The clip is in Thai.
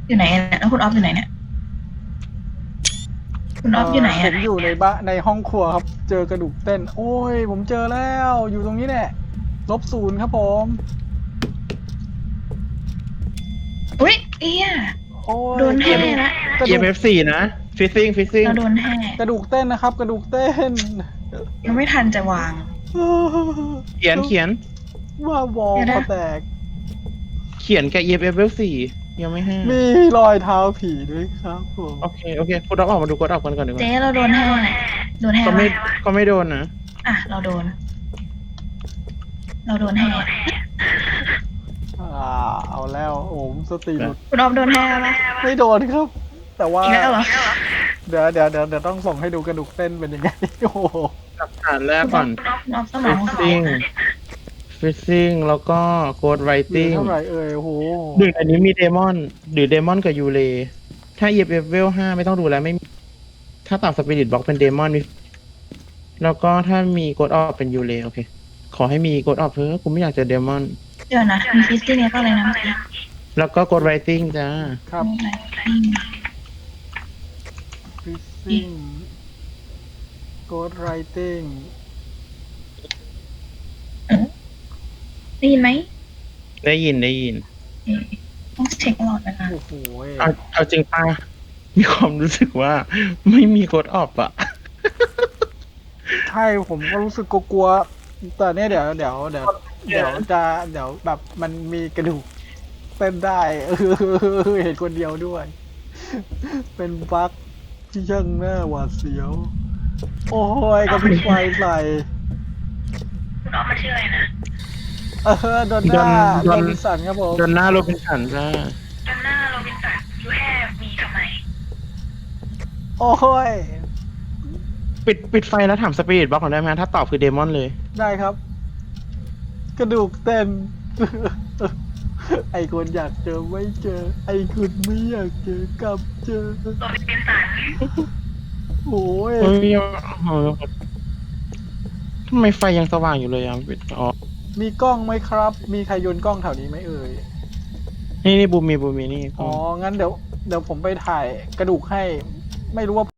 อยู่ไหนเนี่ยแล้วคุณออฟอยู่ไหนเนี่ยคุณออฟอยู่ไหนผอ่ะมอยู่ในบ้านในห้องครัวครับเจอกระดูกเต้นโอ้ยผมเจอแล้วอยู่ตรงนี้แหละ-0ครับผมอุ้ยเอี้ยโอ้ยโดนแห่ละกระดูก EMF4 นะฟิซซิ่งเราโดนแห่กระดูกเต้นนะครับกระดูกเต้นยังไม่ทันจะวางเขียนว่าวอลเดี๋ยวนะคอแตกเขียนกับ EMF4 ยังไม่ห้ามีรอยเท้าผีด้วยครับผมโอเคคุณต้องออกมาดูกดออกกันก่อนดีกว่าเจ๊เราโดนแห่โดนแห่ก็ไม่ปะก็ไม่โดนนะอ่ะเราโดน เราโดนแห่เอาแล้วโอ้มสติหลุดคุณออฟโดนแห่ปะไม่โดนครับ แต่ว่าอีกแล้วเหรอเดี๋ยวต้องส่งให้ดูกระดูกเต้นเป็นยังไง โอ้โหหลักฐานแรกก่อนคุณออฟสมองของฟิซซิ่งแล้วก็โกดไรเหลือติ้งเท่าไหร่เอ่ยโอ้โหหนึ่งอันนี้มีเดมอนหรือเดมอนกับยูเรถ้า EMF เวล5ไม่ต้องดูแล้วไม่มีถ้าตามสปิริตบล็อกเป็นเดมอนแล้วก็ถ้ามีโกดออฟเป็นยูเรโอเค ขอให้มีโกดออฟเพิ่มกูไม่อยากเจอเดมอนเดี๋ยวนะมีฟิสตี้เนี่ยก็เลยนะเมื่อกี้แล้วก็โกดไรติ้งจ้าครับ ฟิซซิ่งโกดไรติ้งได้ยินไหมได้ยินต้องเช็คตลอดเวลาโอ้โหเอาจริงป่ะมีความรู้สึกว่าไม่มีโกดออฟอะใช่ผมก็รู้สึกกลัวๆแต่เนี่ยเดี๋ยวแบบมันมีกระดูกเต้นได้ เห็นคนเดียวด้วย เป็นบั๊กที่ช่างน่าหวาดเสียว โอ้ยกระพริบไฟใส่คุณออฟมาชื่ออะไรนะโดนหน้าโดโดนนสันครับผมจนหน้าโรบินสันจ้าจำหน้าโรบินสันยูแฮมีทำไมโอ้ยปิดไฟแล้วถามสปิริตบล็อกหน่อยได้ไหมถ้าตอบคือเดมอนเลยได้ครับ กระดูกเต้น ไอคนอยากเจอไม่เจอ ไอคุณไม่อยากเจอกลับเจอโรบินสันโอ้ยเฮ้ยทำไมไฟยังสว่างอยู่เลยอ่ะอ๋อมีกล้องไหมครับ มีใครโยนกล้องแถวนี้ไหมเอ่ยนี่บูมมีนี่อ๋อ งั้นเดี๋ยวผมไปถ่ายกระดูกให้ ไม่รู้ว่า